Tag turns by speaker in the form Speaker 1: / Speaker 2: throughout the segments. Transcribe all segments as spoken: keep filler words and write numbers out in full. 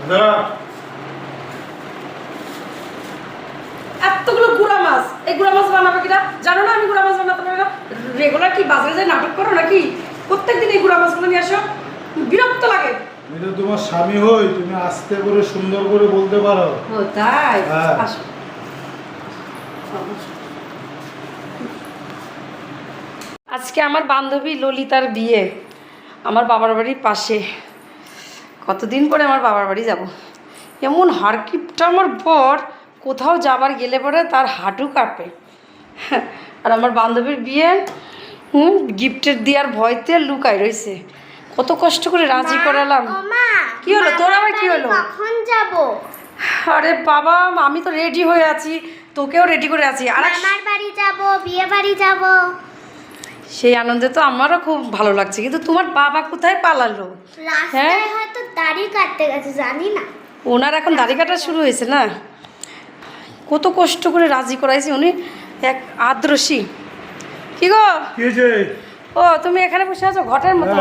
Speaker 1: এতগুলো গুড়া মাছ, এই গুড়া মাছ বানাবে কিনা জানো না? আমি গুড়া মাছ বানাতে পারি না। রেগুলার কি বাজারে যায় নাটক করো নাকি? প্রত্যেকদিন এই গুড়া মাছগুলো নিয়ে আসো, বিরক্ত লাগে।
Speaker 2: আমি তো তোমার স্বামী হই, তুমি আস্তে করে সুন্দর করে বলতে পারো।
Speaker 1: ও তাই?
Speaker 2: হ্যাঁ।
Speaker 1: আসো। আজকে আমার বান্ধবী ললিতার বিয়ে আমার বাবার বাড়ির পাশে। কতদিন পরে আমার বাবার বাড়ি যাব। এমন হারকিপটা আমার বর, কোথাও যাবার গেলে পরে তার হাঁটু কাঁপে। আর আমার বান্ধবীর বিয়ে হুম গিফটের দেওয়ার ভয়তে লুকায় রয়েছে। কত কষ্ট করে রাজি করালাম। কি হলো তোর আবার কি হলো?
Speaker 3: কখন যাব?
Speaker 1: আরে বাবা, আমি তো রেডি হয়ে আছি, তোকেও রেডি করে আছি। আর
Speaker 3: মামার বাড়ি যাব, বিয়ে বাড়ি যাব।
Speaker 1: সেই আনন্দে তো আমারও খুব ভালো লাগছে, কিন্তু তোমার বাবা কোথায় পালালো?
Speaker 3: রাস্তায় হয়তো দাড়ি কাটতে গেছে, জানি না।
Speaker 1: ওনার এখন দাড়ি কাটা শুরু হয়েছে না? কত কষ্ট করে রাজি করাইছি, উনি এক আদ্রসী। কি গো?
Speaker 2: কি হয়েছে?
Speaker 1: ও তুমি এখানে বসে আছো ঘটের মতো।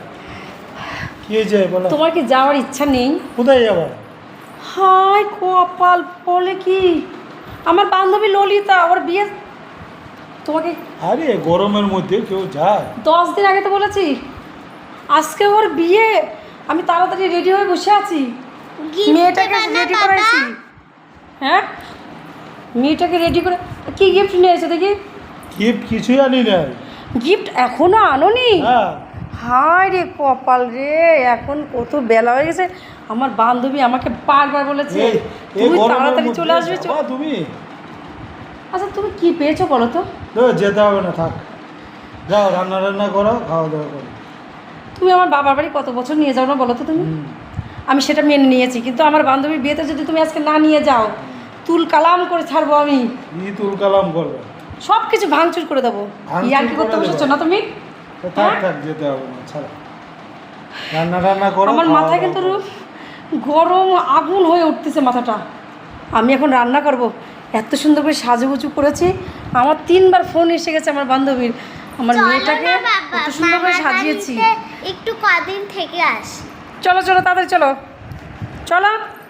Speaker 2: কি হয়েছে বলো?
Speaker 1: তোমার কি যাওয়ার ইচ্ছা নেই?
Speaker 2: কোথায় যাবো?
Speaker 1: হাই কপাল, বলে কি আমার বান্ধবী ললিতা, ওর বিয়ে তোমাকে
Speaker 2: আরে গরমের মধ্যে কেউ যায়?
Speaker 1: দশ দিন আগে তো বলেছি, আজকে ওর বিয়ে। আমি তাড়াতাড়ি রেডি হয়ে বসে আছি, মেয়েটাকে রেডি করাইছি। হ্যাঁ, মেয়েটাকে রেডি করে কি গিফট নিয়ে এসে দেখি?
Speaker 2: গিফট কিছুই আনি নাই।
Speaker 1: গিফট এখনো আনোনি?
Speaker 2: হ্যাঁ।
Speaker 1: হায় রে কপাল রে, এখন কত বেলা হয়ে গেছে। আমার বান্ধবী আমাকে বারবার বলেছে
Speaker 2: এই- এই
Speaker 1: তুমি
Speaker 2: গরমের
Speaker 1: তাড়াতাড়ি
Speaker 2: মধ্যে
Speaker 1: চলে আসবে।
Speaker 2: যাবা তুমি?
Speaker 1: আচ্ছা তুমি কি পেয়েছো বলো তো?
Speaker 2: তো যেতে হবে না, থাক। যাও রান্না রান্না করো, খাওয়া দাওয়া করো।
Speaker 1: তুমি আমার বাবার বাড়ি কত বছর নিয়ে যাও না বলো তো তুমি?
Speaker 2: হুম।
Speaker 1: আমি সেটা মেনে নিয়েছি, কিন্তু আমার বান্ধবীর বিয়েতে যদি তুমি আজকে না নিয়ে যাও, তুল কালাম করে ছাড়বো আমি।
Speaker 2: ই তুল কালাম করবে।
Speaker 1: সব কিছু ভাঙচুর করে দেবো।
Speaker 2: ভাঙচুর
Speaker 1: ইয়ার কি করতে
Speaker 2: করে
Speaker 1: বসেছো
Speaker 2: দেবো?
Speaker 1: না তুমি?
Speaker 2: তো থাক
Speaker 1: হ্যাঁ?
Speaker 2: থাক, যেতে হবে না, ছাড়া। রান্না রান্না করো,
Speaker 1: আমার
Speaker 2: খাওয়া
Speaker 1: মাথায়
Speaker 2: দাওয়া
Speaker 1: কিন্তু
Speaker 2: করো।
Speaker 1: গরম আগুন হয়ে উঠতেছে মাথাটা। আমি এখন রান্না করব। এত সুন্দর করে সাজুগুজু করেছি, আমার তিনবার ফোন এসে গেছে আমার বান্ধবীর। আমার
Speaker 3: চলো
Speaker 1: মেয়েটাকে
Speaker 3: না বাবা,
Speaker 1: কত সুন্দর করে
Speaker 3: মামার
Speaker 1: সাজিয়েছি।
Speaker 3: বাড়িতে একটু কদিন থেকে আস।
Speaker 1: চলো চলো তাড়াতাড়ি চলো, চলো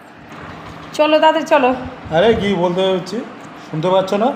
Speaker 1: চলো তাড়াতাড়ি চলো।
Speaker 2: আরে কি বলতে হচ্ছে, শুনতে পাচ্ছ না?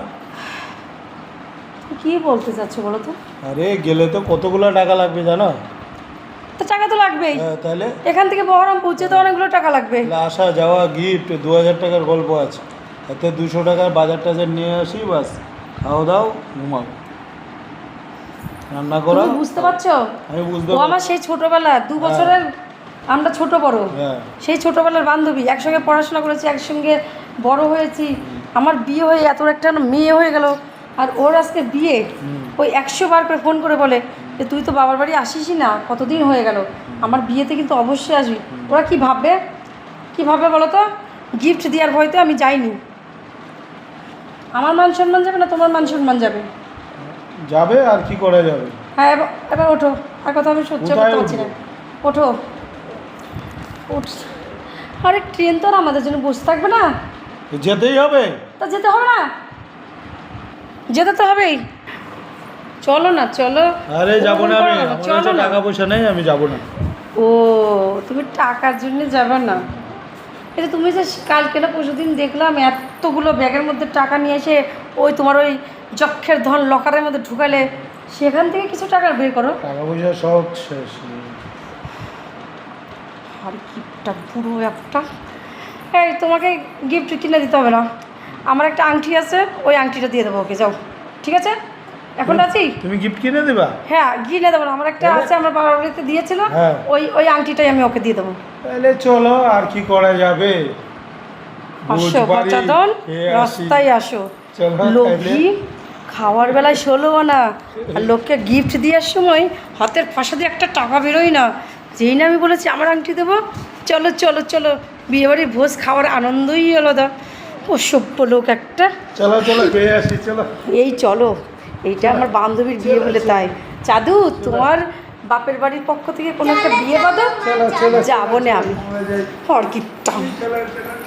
Speaker 1: কি বলতে চাচ্ছ বলো তো?
Speaker 2: আরে গেলে তো কতগুলো টাকা লাগবে জানো?
Speaker 1: তো টাকা তো লাগবেই,
Speaker 2: হ্যাঁ, তাহলে
Speaker 1: এখান থেকে বহরম পৌঁছে তো অনেকগুলো টাকা লাগবে।
Speaker 2: তাহলে আসা যাওয়া গিফট দু হাজার টাকার গল্প আছে। এতে দুশো টাকার বাজার টাজার নিয়ে আসি, বাস খাওয়া দাও, ঘুমাও, রান্না করো।
Speaker 1: তুমি বুঝতে পারছো?
Speaker 2: আমি বুঝতে
Speaker 1: ও আমার
Speaker 2: পারছি।
Speaker 1: সেই ছোটবেলা দু বছরের, আমরা ছোট বড়,
Speaker 2: হ্যাঁ।
Speaker 1: সেই ছোটবেলার বান্ধবী, একসঙ্গে পড়াশোনা করেছি, একসঙ্গে বড় হয়েছি। আমার বিয়ে হয়ে এত একটা মেয়ে হয়ে গেল, আর ওর আজকে বিয়ে। ওই একশো বার করে ফোন করে বলে যে তুই তো বাবার বাড়ি আসিসই না, কতদিন হয়ে গেল, আমার বিয়েতে কিন্তু অবশ্যই আসবি। ওরা কি ভাববে, কি ভাববে বলো তো? গিফট দেওয়ার ভয়তে আমি যাইনি। আমার মান সম্মান যাবে না তোমার মান সম্মান যাবে?
Speaker 2: যাবে, আর কি করা যাবে।
Speaker 1: হ্যাঁ এবার এবার ওঠো, আর কথা আমি সহ্য
Speaker 2: কোথায়
Speaker 1: করতে পারছি না।
Speaker 2: উঠবো?
Speaker 1: ওঠো, উঠ। আরে ট্রেন তো আর আমাদের জন্য বসে থাকবে না,
Speaker 2: যেতেই হবে।
Speaker 1: তা যেতে হবে না? যেতে তো হবেই। চলো না, চলো।
Speaker 2: আরে যাবো না আমি,
Speaker 1: ওরকম করো না,
Speaker 2: আমার
Speaker 1: চলো
Speaker 2: কাছে
Speaker 1: না।
Speaker 2: টাকা পয়সা নেই, আমি যাবো না।
Speaker 1: ও তুমি টাকার জন্য যাবে না? এই যে তুমি যে কালকে না পরশু দিন দেখলাম এতগুলো ব্যাগের মধ্যে টাকা নিয়ে এসে ওই তোমার ওই যক্ষের ধন লকারের মধ্যে ঢুকালে, সেখান থেকে কিছু টাকা বের করো।
Speaker 2: টাকা পয়সা সব শেষ।
Speaker 1: আর গিফটটা পুরো একটা, এই তোমাকে গিফট কিনে দিতে হবে না, আমার একটা আংটি আছে, ওই আংটিটা দিয়ে দেবো ওকে, যাও। ঠিক আছে, এখন আছি।
Speaker 2: তুমি গিফট কিনে দেবা?
Speaker 1: হ্যাঁ কিনে দেবো না, আমার একটা আছে, আমার বাবার বাড়িতে দিয়েছিল,
Speaker 2: হ্যাঁ।
Speaker 1: ওই ওই আংটিটাই আমি ওকে দিয়ে দেবো।
Speaker 2: তাহলে চলো, আর কি করা যাবে।
Speaker 1: আসো
Speaker 2: বুঝবাড়ি
Speaker 1: বাচ্চাদন,
Speaker 2: খেয়ে আসি।
Speaker 1: রাস্তায় আসো।
Speaker 2: চলো
Speaker 1: লোভী খাওয়ার বেলায় ষোলো আনা, আর লোককে গিফট দেওয়ার সময় হাতের ফাঁসা দিয়ে একটা টাকা বেরোয় না। যেই না আমি বলেছি আমার আংটি দেবো, চলো চলো চলো, বিয়েবাড়ির ভোজ খাওয়ার আনন্দই আলাদা। ও সভ্য লোক একটা।
Speaker 2: চলো চলো খেয়ে আসি, চলো।
Speaker 1: এই চলো, এইটা আমার বান্ধবীর বিয়ে বলে তাই। চাদু তোমার বাপের বাড়ির পক্ষ থেকে কোনো একটা বিয়ে বাঁধো,
Speaker 2: চলো চলো
Speaker 1: যাবো না আমি।
Speaker 2: আমরা যাই।
Speaker 1: হরকিটটা
Speaker 2: চলো, চলো।